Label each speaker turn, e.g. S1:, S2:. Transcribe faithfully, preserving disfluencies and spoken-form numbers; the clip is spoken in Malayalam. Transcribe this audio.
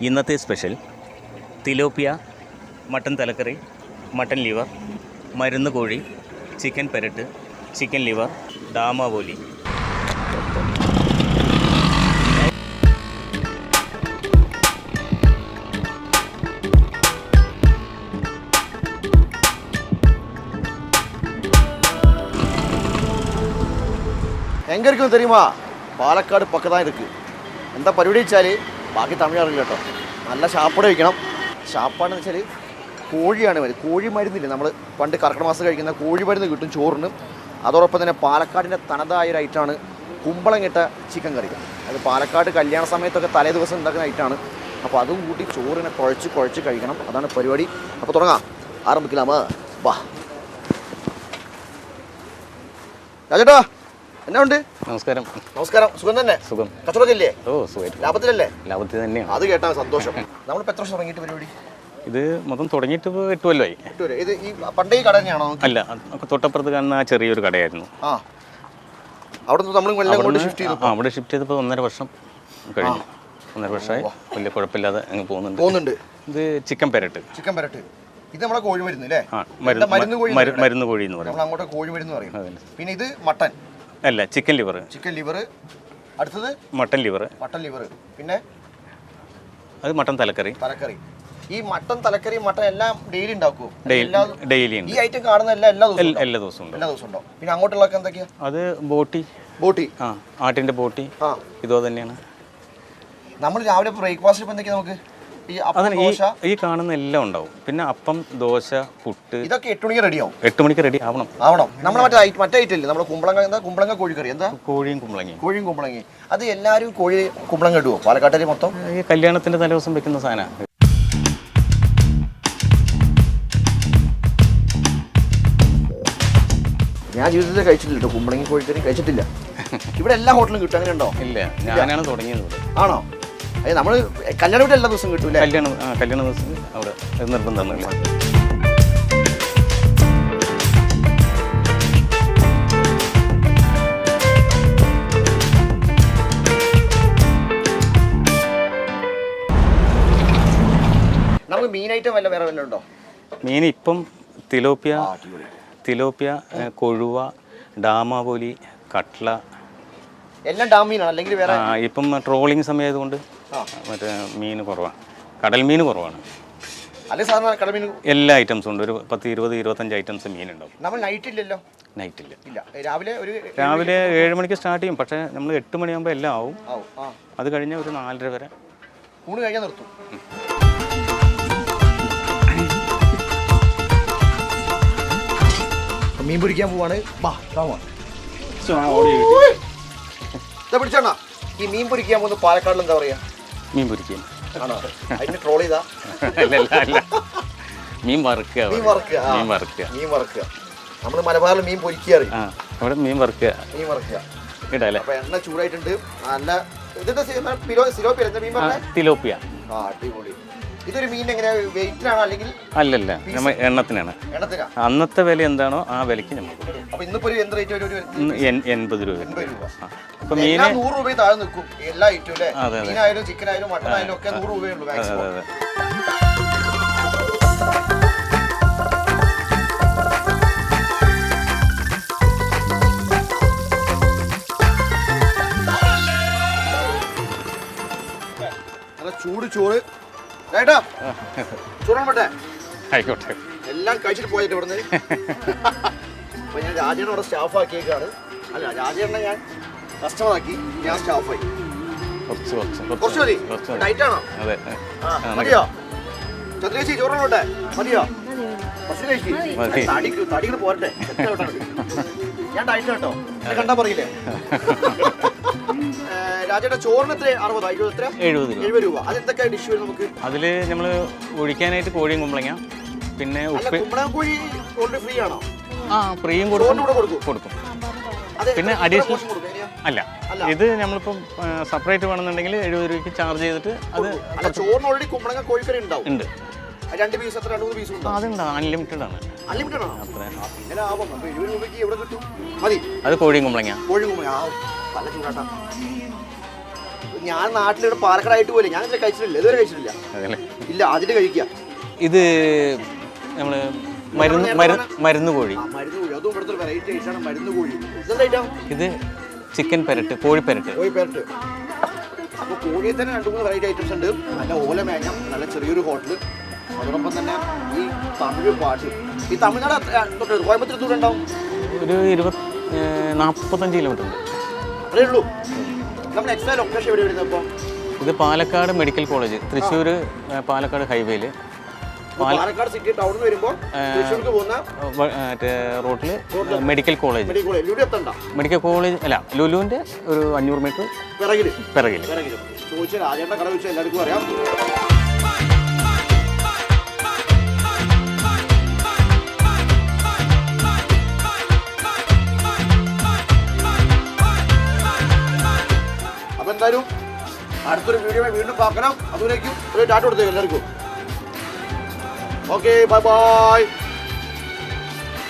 S1: ഇന്നത്തെ സ്പെഷ്യൽ തിലോപ്പിയ, മട്ടൻ തലക്കറി, മട്ടൻ ലിവർ, മരുന്ന് കോഴി, ചിക്കൻ പെരട്ട്, ചിക്കൻ ലിവർ, ഡാമാവോലി.
S2: எங்கே இருக்குன்னு தெரியுமா? പാലക്കാട് പക്കതാണ് ഇருக்கு. എന്താ പരിപാടി വെച്ചാൽ ബാക്കി തമിഴ് അറിയില്ല കേട്ടോ. നല്ല ഷാപ്പട വയ്ക്കണം. ഷാപ്പാണെന്ന് വെച്ചാൽ കോഴിയാണ് മതി. കോഴി മരുന്നില്ല, നമ്മൾ പണ്ട് കർക്കിടക മാസം കഴിക്കുന്ന കോഴി മരുന്ന് കിട്ടും ചോറിന്. അതോടൊപ്പം തന്നെ പാലക്കാടിൻ്റെ തനതായ ഒരു ഐറ്റമാണ് കുമ്പളങ്ങിട്ട ചിക്കൻ കറി. അത് പാലക്കാട് കല്യാണ സമയത്തൊക്കെ തലേ ദിവസം ഉണ്ടാക്കുന്ന ഐറ്റമാണ്. അപ്പോൾ അതും കൂട്ടി ചോറിനെ കുഴച്ച് കുഴച്ച് കഴിക്കണം. അതാണ് പരിപാടി. അപ്പോൾ തുടങ്ങാം, ആരംഭിക്കലാമോ? വാ രാജേട്ടാ, എന്നാ ഉണ്ട്?
S1: നമസ്കാരം.
S2: നമസ്കാരം. സുഖം തന്നെ? സുഖം. കച്ചവടമൊക്കെ ഇല്ലേ?
S1: ഓ സുഖം.
S2: ലാഭത്തിലല്ലേ?
S1: ലാഭത്തിൽ തന്നെയാണ്.
S2: അത് കേട്ടാ സന്തോഷം. നമ്മളിപ്പോൾ എത്ര വർഷം തുടങ്ങിയിട്ട് പരിപാടി?
S1: ഇത് മൊത്തം തുടങ്ങിയിട്ട് ഇപ്പോൾ എട്ട് കൊല്ലമായി.
S2: എട്ട് വരെ. ഇത് ഈ പണ്ടേ ഈ കട തന്നെയാണോ?
S1: അല്ല, തൊട്ടപ്പുറത്ത് കാണുന്ന ആ ചെറിയൊരു കടയായിരുന്നു.
S2: ആ, അവിടെ നിന്ന് നമ്മൾ എല്ലാം കൊണ്ട് ഷിഫ്റ്റ് ചെയ്തു.
S1: ആ, അവിടെ ഷിഫ്റ്റ് ചെയ്തപ്പോൾ ഒന്നര വർഷം കഴിഞ്ഞു. ഒന്നര വർഷമായി. വലിയ കുഴപ്പമില്ലാതെ അങ്ങ് പോകുന്നുണ്ട്
S2: പോകുന്നുണ്ട്
S1: ഇത് ചിക്കൻ പെരട്ട്.
S2: ചിക്കൻ പെരട്ട് ഇത് നമ്മളെ കോഴി മരുന്ന് അല്ലേ?
S1: മരുന്ന് കോഴി മരുന്ന് കോഴി എന്ന് പറയും.
S2: നമ്മൾ അങ്ങോട്ട് കോഴി മരുന്ന് പറയും. പിന്നെ ഇത് മട്ടൻ
S1: അല്ല, ചിക്കൻ ലിവർ.
S2: Chicken liver. അടുത്തത്
S1: മട്ടൻ ലിവർ.
S2: Mutton liver. പിന്നെ
S1: അത് മട്ടൻ തലക്കറി.
S2: തലക്കറി. ഈ മട്ടൻ തലക്കറി മട്ടൻ എല്ലാം ഡെയിലി ഉണ്ടാക്കുമോ?
S1: ഡെയിലി.
S2: ഈ ഐറ്റം കാണുന്ന എല്ലാ എല്ലാ ദിവസവും
S1: എല്ലാ ദിവസവും
S2: എല്ലാ ദിവസവും ഉണ്ടോ? പിന്നെ അങ്ങോട്ടുള്ളതൊക്കെ എന്തൊക്കെയാ?
S1: അത് ബോട്ടി.
S2: ബോട്ടി.
S1: ആ, ആട്ടിന്റെ ബോട്ടി. ആ, ഇതോ തന്നെയാണ്.
S2: നമ്മൾ രാവിലെ ബ്രേക്ക്ഫാസ്റ്റ് ഇപ്പം എന്തൊക്കെയാ നമുക്ക്?
S1: ഈ കാണുന്ന എല്ലാം ഉണ്ടാവും. പിന്നെ അപ്പം, ദോശ, പുട്ട്.
S2: ഇതൊക്കെ എട്ട് മണിക്ക് റെഡിയാവും.
S1: എട്ട് മണിക്ക് റെഡി ആവണം.
S2: ആവണം. നമ്മുടെ മറ്റേ മറ്റേ ഐറ്റം ഇല്ലേ, നമ്മുടെ കുമ്പളങ്ങ. എന്താ കുമ്പളങ്ങ കോഴിക്കറി? എന്താ?
S1: കോഴിയും കുമ്പളങ്ങയും.
S2: കോഴിയും കുമ്പളങ്ങയും. അത് എല്ലാവരും കോഴി കുമ്പളങ്ങ ഇടുവോ പാലക്കാട്ടിൽ മൊത്തം?
S1: ഈ കല്യാണത്തിന്റെ തലേദിവസം വെക്കുന്ന സാധനം.
S2: ഞാൻ ജീവിതത്തിൽ കഴിച്ചിട്ടില്ല കേട്ടോ, കുമ്പളങ്ങി കോഴിക്കറി കഴിച്ചിട്ടില്ല. ഇവിടെ എല്ലാ ഹോട്ടലും കിട്ടും, അങ്ങനെ ഉണ്ടോ?
S1: ഇല്ല, ഞാനാണ് തുടങ്ങിയത്.
S2: ആണോ? അതെ, നമ്മൾ കല്യാണ വീട്ടിൽ എല്ലാ ദിവസവും കിട്ടൂല.
S1: കല്യാണ കല്യാണ ദിവസം അവിടെ നിർബന്ധമൊന്നുമില്ല.
S2: നമുക്ക് മീൻ ഐറ്റം വല്ല വേറെ വല്ല ഉണ്ടോ?
S1: മീൻ ഇപ്പം തിലോപ്പിയ, തിലോപ്പിയ, കൊഴുവ, ഡാമാവോലി, കട്ട്ല
S2: എല്ലാം ഡാം മീനാണ്. അല്ലെങ്കിൽ വേറെ
S1: ഇപ്പം ട്രോളിങ് സമയമായതുകൊണ്ട് മറ്റേ മീൻ കുറവാണ്. കടൽ മീൻ കുറവാണ്.
S2: അല്ലെ സാധാരണ കടൽ മീൻ എല്ലാ
S1: ഐറ്റംസും ഉണ്ട്. ഒരു പത്ത് ഇരുപത് ഇരുപത്തഞ്ച് ഐറ്റംസ് മീനുണ്ടാവും.
S2: നമ്മൾ നൈറ്റ് ഇല്ലല്ലോ?
S1: നൈറ്റ് ഇല്ല.
S2: ഇല്ല. രാവിലെ ഒരു
S1: രാവിലെ ഏഴ് മണിക്ക് സ്റ്റാർട്ട് ചെയ്യും. പക്ഷേ നമ്മൾ എട്ട് മണിയാകുമ്പോൾ എല്ലാം ആവും. അത് കഴിഞ്ഞാൽ ഒരു നാലര വരെ
S2: ഊണ് കഴിഞ്ഞാൽ നിർത്തും. മീൻ പിടിക്കാൻ പോവാണ്. പിടിച്ചാ ഈ മീൻ പിടിക്കാൻ പോകുന്ന പാലക്കാടിൽ എന്താ പറയാ?
S1: മീൻ പൊരിക്കാൻ.
S2: ആണോ? അതിന് ട്രോൾ ചെയ്താ?
S1: മീൻ വറുക്കുക.
S2: മീൻ വറുക്കുക.
S1: മീൻ വറുക്കുക.
S2: മീൻ വറുക്കുക. നമ്മള് മലബാറിൽ മീൻ പൊരിക്കാറ്.
S1: അവിടെ മീൻ വറുക്കുക.
S2: മീൻ വറുക്കുക
S1: ഇടല്ലേ?
S2: അപ്പൊ എണ്ണ ചൂടായിട്ടുണ്ട്. നല്ല ഇതിന്റെ തിലോപ്പിയ. ആ, അടിപൊളി. ഇതൊരു മീൻ എങ്ങനെ വെയിറ്റിനാണോ അല്ലെങ്കിൽ?
S1: അല്ലല്ല, നമ്മൾ എണ്ണത്തിനാണ്. അന്നത്തെ വില എന്താണോ ആ വിലക്ക് നമുക്ക്.
S2: അപ്പൊ ഇന്നിപ്പോ എന്ത് റേറ്റ് വരും?
S1: എൺപത് രൂപ.
S2: അപ്പൊ മീൻ നൂറ് രൂപ താഴെ നിൽക്കും എല്ലാ ഐറ്റവും അല്ലേ? മീനായാലും ചിക്കൻ ആയാലും മട്ടൺ ആയാലും ഒക്കെ നൂറ് രൂപയുള്ളൂ മാക്സിമം. ചൂട് ചോറ് ചേട്ടാ, ചോറാൻ പറ്റേ?
S1: ആയിക്കോട്ടെ.
S2: എല്ലാം കഴിച്ചിട്ട് പോയിട്ട് ഇവിടുന്ന്. അപ്പൊ ഞാൻ രാജേണ്ണ അവിടെ സ്റ്റാഫ് ആക്കിയേക്കാണ്. അല്ല, രാജേണ്ണ ഞാൻ കസ്റ്റമർ ആക്കി, ഞാൻ സ്റ്റാഫായി. കുറച്ച് മതി. ഡയറ്റ് ആണോ? മതിയോ? ചന്ദ്രേശി ചോറാൻ പറ്റേ? മതിയോ? കുറച്ച് കഴിക്കും. തടിക്ക് തടികൾ പോരട്ടെ. ഞാൻ ഡയറ്റ് കേട്ടോ, കണ്ടാ പറയില്ലേ? രാജേട്ട ചോറിന് എത്ര? അറുപതോ എഴുപത്?
S1: എഴുപത്
S2: എഴുപത് രൂപ. അതെന്തൊക്കെ ഡിഷ് വരും നമുക്ക്?
S1: അതിൽ നമ്മൾ ഒഴിക്കാനായിട്ട് കോഴിയും കുമ്പളങ്ങ, പിന്നെ
S2: കുമ്പളങ്ങ കോഴി ഓൾറെഡി ഫ്രീ ആണോ?
S1: ആ, ഫ്രീയും കൊടുക്കും കൊടുക്കും പിന്നെ അഡീഷണൽ അല്ല, ഇത് നമ്മളിപ്പം സെപ്പറേറ്റ് വേണമെന്നുണ്ടെങ്കിൽ എഴുപത് രൂപയ്ക്ക് ചാർജ് ചെയ്തിട്ട് അത്.
S2: ചോറിന് ഓൾറെഡി കുമ്പളങ്ങ കോഴിക്കറി ഉണ്ടാവും.
S1: ഉണ്ട്.
S2: രണ്ട് പീസ് എത്ര? രണ്ട് മൂന്ന് പീസ് ഉണ്ട്.
S1: അതുണ്ട്, അൺലിമിറ്റഡ് ആണ്.
S2: അൺലിമിറ്റഡ് ആണോ? ഇങ്ങനെ ആവാം. അപ്പൊ എഴുപത് രൂപയ്ക്ക് എവിടെ കിട്ടും? മതി.
S1: അത് കോഴിയും കുമ്പളങ്ങ.
S2: കോഴിയും കുമ്പളങ്ങ. നല്ല ചൂടാട്ടാ. ഞാൻ നാട്ടിലിവിടെ പാലക്കാടായിട്ട് പോലെ ഞാൻ ഇതുവരെ കഴിച്ചിട്ടില്ല ഇതുവരെ കഴിച്ചിട്ടില്ല
S1: അതല്ലേ
S2: ഇല്ല അതിൽ കഴിക്കുക
S1: ഇത് നമ്മൾ മരുന്ന് മരുന്ന് മരുന്ന് കോഴി
S2: ആ, മരുന്ന് കോഴി അതും ഇവിടുത്തെ വെറൈറ്റി ഐറ്റാണ് മരുന്ന് കോഴി ഇതെന്താ ഐറ്റം
S1: ഇത് ചിക്കൻ പെരട്ട് കോഴി പെരട്ട്
S2: കോഴി പേരട്ട് അപ്പോൾ കോഴിയിൽ തന്നെ രണ്ട് മൂന്ന് വെറൈറ്റി ഐറ്റംസ് ഉണ്ട് നല്ല ഓല മേഞ്ഞം നല്ല ചെറിയൊരു ഹോട്ടൽ അതോടൊപ്പം തന്നെ ഈ തമിഴ് പാട്ട് ഈ തമിഴ്നാട് തൊട്ട് കോയമ്പത്തൂർ ദൂരം ഉണ്ടാവും
S1: ഒരു ഇരുപത് നാൽപ്പത്തഞ്ച് കിലോമീറ്റർ ഉണ്ട്.
S2: അത്രേ ഉള്ളൂ. നമ്മൾ എക്സ്ട്രാ ലൊക്കേഷൻ എവിടെ വരുന്നത് അപ്പോൾ
S1: ഇത് പാലക്കാട് മെഡിക്കൽ കോളേജ് തൃശ്ശൂർ പാലക്കാട് ഹൈവേയിൽ
S2: പാലക്കാട് സിറ്റി ടൗണിൽ നിന്ന് വരുമ്പോൾ തൃശ്ശൂർക്ക് പോകുന്ന
S1: മറ്റേ റോട്ടിൽ medical college
S2: medical college Lulu എത്തണ്ട
S1: മെഡിക്കൽ കോളേജ് അല്ല ലുലുവിൻ്റെ ഒരു അഞ്ഞൂറ് മീറ്റർ
S2: പിറകിൽ
S1: പിറകിൽ
S2: പിറകിൽ ചോദിച്ചാൽ രാജേണ്ട കട വെച്ചാൽ എല്ലാവർക്കും അറിയാം. അപ്പം എന്തായാലും അടുത്തൊരു വീഡിയോ വീണ്ടും பார்க்கலாம். അതുവരേക്കും ഒരു ടാറ്റ കൊടുത്തേക്ക് എല്ലാവർക്കും. Okay bye by.